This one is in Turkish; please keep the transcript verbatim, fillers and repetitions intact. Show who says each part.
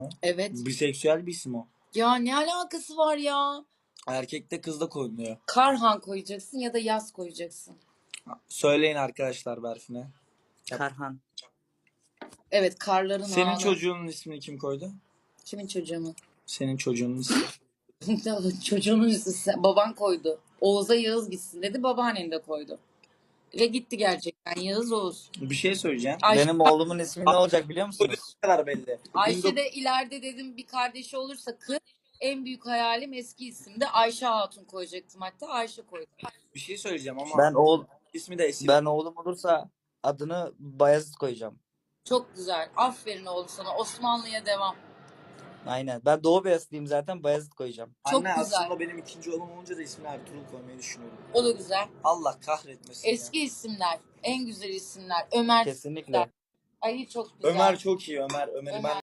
Speaker 1: Evet.
Speaker 2: Biseksüel bir isim o.
Speaker 1: Ya ne alakası var ya?
Speaker 2: Erkek de kız da koyuluyor.
Speaker 1: Karhan koyacaksın ya da Yaz koyacaksın.
Speaker 2: Söyleyin arkadaşlar Berfin'e.
Speaker 3: Karhan.
Speaker 1: Evet, karların
Speaker 2: Senin
Speaker 1: ağlı.
Speaker 2: çocuğunun ismini kim koydu?
Speaker 1: Kimin çocuğunun?
Speaker 2: Senin çocuğunun ismi.
Speaker 1: Çocuğunun üstü baban koydu. Oğuz'a Yağız gitsin dedi. Babaannen de koydu. Ve gitti gerçekten. Yağız Oğuz.
Speaker 2: Bir şey söyleyeceğim.
Speaker 1: Ayşe,
Speaker 3: Benim oğlumun ismi ne olacak biliyor musunuz?
Speaker 2: Ne kadar belli.
Speaker 1: Ayşe de ileride dedim bir kardeşi olursa kız. En büyük hayalim eski isimde Ayşe Hatun koyacaktım, hatta Ayşe koydum.
Speaker 2: Bir şey söyleyeceğim ama
Speaker 3: Ben oğul
Speaker 2: ismi de Esin.
Speaker 3: ben oğlum olursa adını Bayezid koyacağım.
Speaker 1: Çok güzel. Aferin oğlum sana. Osmanlı'ya devam.
Speaker 3: Aynen. Ben Doğu Beyazıtlıyım zaten, Bayezid koyacağım.
Speaker 1: Çok
Speaker 2: Anne
Speaker 1: güzel.
Speaker 2: aslında benim ikinci oğlum olunca da ismini Ertuğrul koymayı düşünüyorum.
Speaker 1: O da güzel.
Speaker 2: Allah kahretmesin
Speaker 1: Eski
Speaker 2: ya.
Speaker 1: isimler. En güzel isimler. Ömer.
Speaker 3: Kesinlikle.
Speaker 1: Ay çok güzel.
Speaker 2: Ömer çok iyi Ömer. Ömer'i
Speaker 1: Ömer.
Speaker 2: ben